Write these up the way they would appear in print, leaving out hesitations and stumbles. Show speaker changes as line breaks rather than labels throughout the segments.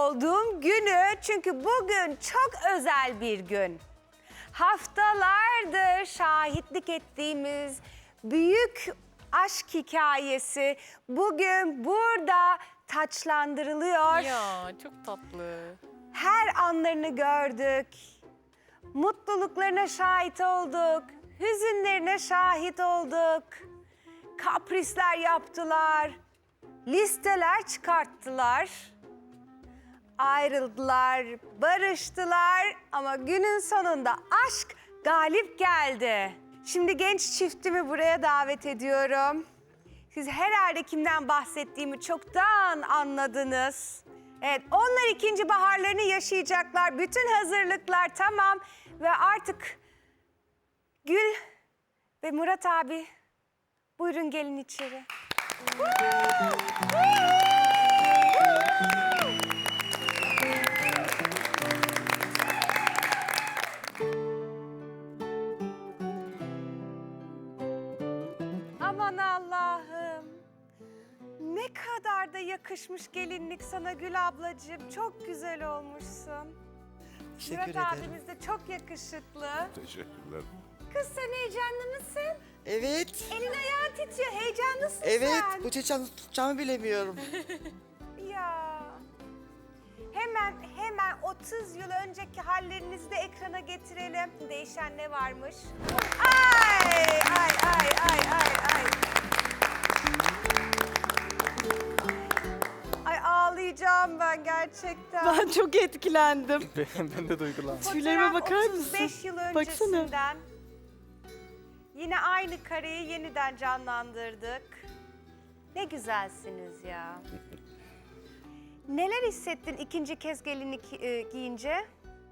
olduğum günü. Çünkü bugün çok özel bir gün. Haftalardır şahitlik ettiğimiz büyük aşk hikayesi bugün burada taçlandırılıyor.
Ya çok tatlı.
Her anlarını gördük. Mutluluklarına şahit olduk. Hüzünlerine şahit olduk. Kaprisler yaptılar. Listeler çıkarttılar. Ayrıldılar, barıştılar ama günün sonunda aşk galip geldi. Şimdi genç çiftimi buraya davet ediyorum. Siz herhalde kimden bahsettiğimi çoktan anladınız. Evet, onlar ikinci baharlarını yaşayacaklar. Bütün hazırlıklar tamam ve artık Gül ve Murat abi buyurun gelin içeri. Aman Allah'ım. Ne kadar da yakışmış gelinlik sana Gül ablacığım. Çok güzel olmuşsun.
Teşekkür
Murat
ederim.
abimiz de çok yakışıklı.
Teşekkürler.
Kız sen heyecanlı mısın?
Evet.
Elin ayağın titriyor. Heyecanlısın
Evet.
sen.
Bu çiçeği tutacağımı bilemiyorum.
Ya. Hemen 30 yıl önceki hallerinizi de ekrana getirelim. Değişen ne varmış? Ay ay ay ay ay ay. Ay ağlayacağım ben gerçekten.
Ben çok etkilendim.
Ben de duygulandım.
Tüylerime
Fotoğraf
bakar
35
mısın?
yıl
Baksana.
öncesinden. Yine aynı kareyi yeniden canlandırdık. Ne güzelsiniz ya. Neler hissettin ikinci kez gelinlik giyince?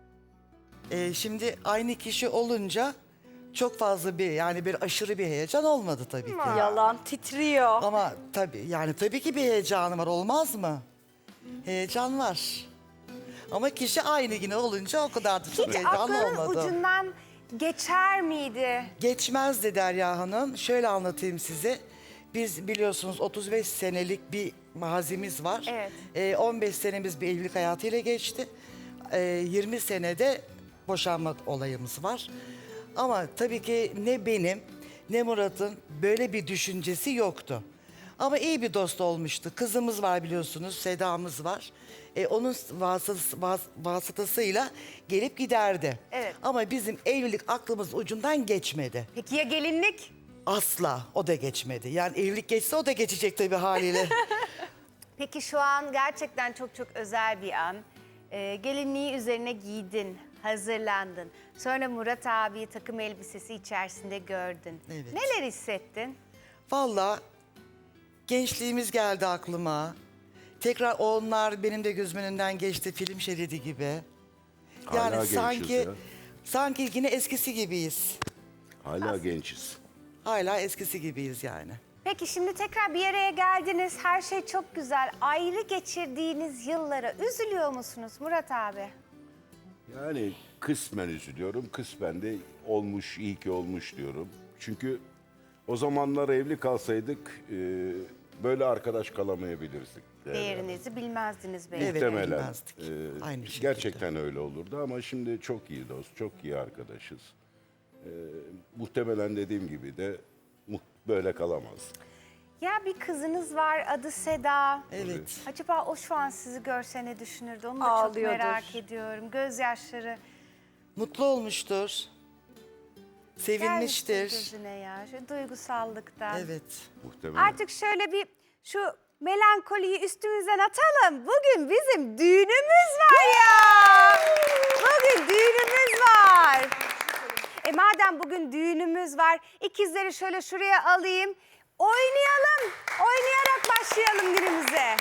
Şimdi aynı kişi olunca çok fazla bir aşırı bir heyecan olmadı tabii ki.
Yalan titriyor.
Ama tabii ki bir heyecanı var, olmaz mı? Heyecan var. Ama kişi aynı yine olunca o kadar da çok
Hiç
heyecanlı
aklının
olmadı.
ucundan geçer miydi?
Geçmezdi Derya Hanım. Şöyle anlatayım size. Biz biliyorsunuz 35 senelik bir mazimiz var.
Evet.
15 senemiz bir evlilik hayatıyla geçti. 20 senede boşanma olayımız var. Ama tabii ki ne benim ne Murat'ın böyle bir düşüncesi yoktu. Ama iyi bir dost olmuştu. Kızımız var biliyorsunuz, Seda'mız var. Onun vasıtasıyla gelip giderdi.
Evet.
Ama bizim evlilik aklımız ucundan geçmedi.
Peki ya gelinlik?
Asla o da geçmedi. Yani evlilik geçse o da geçecek tabii haliyle.
Peki şu an gerçekten çok çok özel bir an. Gelinliği üzerine giydin, hazırlandın. Sonra Murat abiyi takım elbisesi içerisinde gördün.
Evet.
Neler hissettin?
Vallahi gençliğimiz geldi aklıma. Tekrar onlar benim de gözümün önünden geçti, film şeridi gibi.
Hala gençiz ya.
sanki yine eskisi gibiyiz.
Hala gençiz.
Hala eskisi gibiyiz yani.
Peki şimdi tekrar bir araya geldiniz. Her şey çok güzel. Ayrı geçirdiğiniz yıllara üzülüyor musunuz Murat abi?
Yani kısmen üzülüyorum, kısmen de olmuş, iyi ki olmuş diyorum. Çünkü o zamanlar evli kalsaydık böyle arkadaş kalamayabilirdik.
Değerinizi bilmezdiniz belki.
Evet,
Muhtemelen.
bilmezdik. Aynı şekilde.
Gerçekten öyle olurdu ama şimdi çok iyi dost, çok iyi arkadaşız. Muhtemelen dediğim gibi de böyle kalamazdık.
Ya bir kızınız var adı Seda.
Evet.
Acaba o şu an sizi görse ne düşünürdü? Onu da
Ağlıyordur.
çok merak ediyorum. Gözyaşları
Mutlu olmuştur. Sevinmiştir.
gelmiştir gözüne ya. Şu duygusallıktan.
Evet.
Muhtemelen.
Artık şöyle bir şu melankoliyi üstümüzden atalım. Bugün bizim düğünümüz var ya. Bugün düğünümüz var. Madem bugün düğünümüz var, ikizleri şöyle şuraya alayım. Oynayalım. Oynayarak başlayalım günümüze.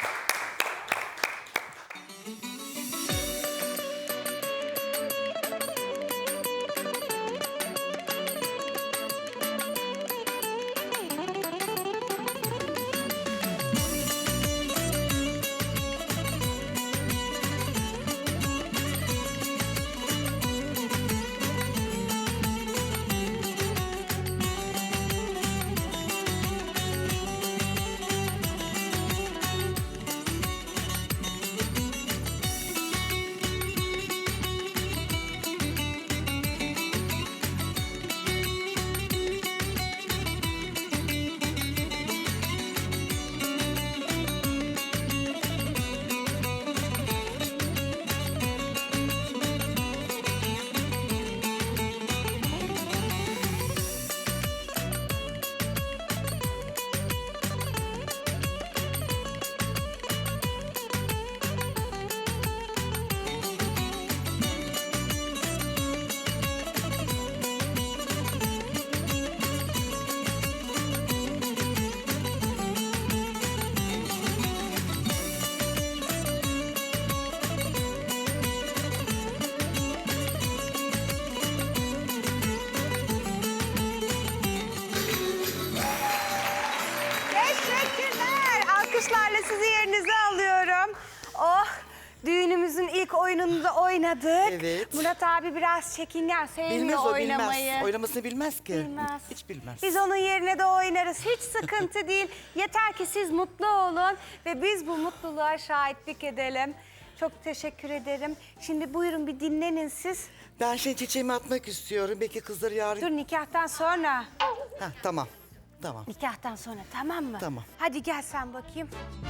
Düğünümüzün ilk oyununu da oynadık.
Evet.
Murat abi biraz çekingen, sevmiyor
Bilmez o
oynamayı.
bilmez. Oynamasını bilmez ki.
Bilmez.
Hiç bilmez.
Biz onun yerine de oynarız. Hiç sıkıntı değil. Yeter ki siz mutlu olun ve biz bu mutluluğa şahitlik edelim. Çok teşekkür ederim. Şimdi buyurun bir dinlenin siz.
Ben şimdi çiçeğimi atmak istiyorum. Belki kızları yarın...
Dur nikahtan sonra.
Heh, tamam. Tamam.
Nikahtan sonra tamam mı?
Tamam.
Hadi gel sen bakayım.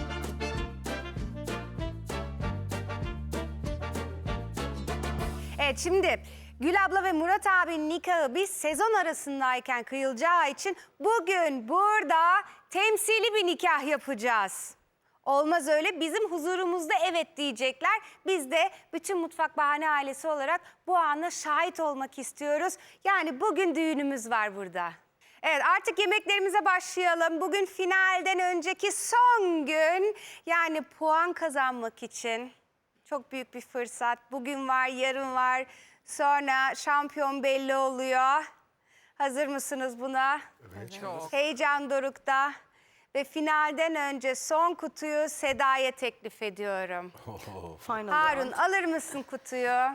Evet şimdi Gül abla ve Murat abinin nikahı biz sezon arasındayken kıyılacağı için bugün burada temsili bir nikah yapacağız. Olmaz öyle, bizim huzurumuzda evet diyecekler. Biz de bütün Mutfak Bahane ailesi olarak bu ana şahit olmak istiyoruz. Yani bugün düğünümüz var burada. Evet artık yemeklerimize başlayalım. Bugün finalden önceki son gün, yani puan kazanmak için çok büyük bir fırsat. Bugün var, yarın var. Sonra şampiyon belli oluyor. Hazır mısınız buna? Evet. Heyecan dorukta. Ve finalden önce son kutuyu Seda'ya teklif ediyorum.
Final
Harun
round.
alır mısın kutuyu?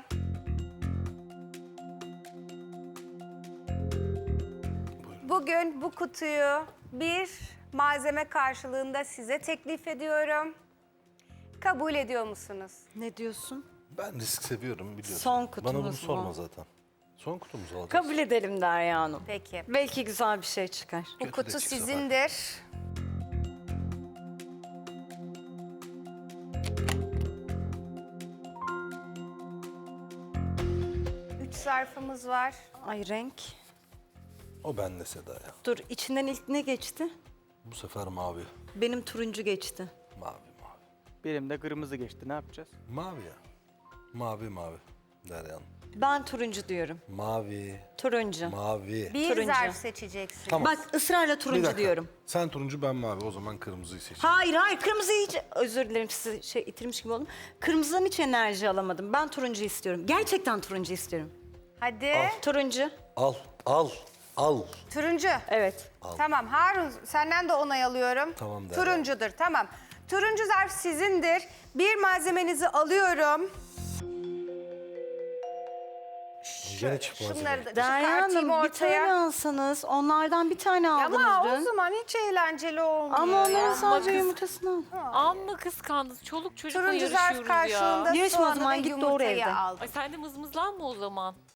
Bugün bu kutuyu bir malzeme karşılığında size teklif ediyorum. Kabul ediyor musunuz?
Ne diyorsun?
Ben risk seviyorum biliyorsun.
Son kutumuz
Bana bunu
mu?
sorma zaten. Son kutumuzu alacağız.
Kabul edelim Derya Hanım.
Peki.
Belki güzel bir şey çıkar.
Bu
Kötü de
kutu
çıksa
sizindir. Üç zarfımız var.
Ay renk.
O bende Seda ya.
Dur içinden ilk ne geçti?
Bu sefer mavi.
Benim turuncu geçti.
Mavi.
Benim de kırmızı geçti. Ne yapacağız?
Mavi ya. Mavi. Derya Hanım.
Ben turuncu diyorum.
Mavi.
Turuncu.
Mavi.
Bir
Turuncu.
zarf seçeceksin.
Tamam.
Bak ısrarla
Bir
turuncu
dakika.
diyorum.
Sen turuncu ben mavi. O zaman kırmızıyı seçeyim.
Hayır kırmızıyı hiç... Özür dilerim sizi itirmiş gibi oldum. Kırmızıdan hiç enerji alamadım. Ben turuncu istiyorum. Gerçekten turuncu istiyorum.
Hadi.
Turuncu.
Al.
Turuncu.
Evet.
Tamam Harun senden de onay alıyorum.
Tamam, Derya.
Turuncudur tamam. Turuncu zarf sizindir. Bir malzemenizi alıyorum.
Gene çıkmaz.
Şunları da
Derya
çıkartayım
Hanım bir tane
ortaya.
alsanız. Onlardan bir tane aldınız
Ama o
dün.
zaman hiç eğlenceli olmuyor.
Ama onların
ya.
sadece yumurtasını al.
Amma kıskandınız. Çoluk çocukla
Turuncu zarf
yarışıyoruz ya.
karşılığında
Yarışma o
soğanı
zaman,
ve
git doğru
yumurtayı
evde.
aldım.
Ay sen de mızmızlanma o zaman.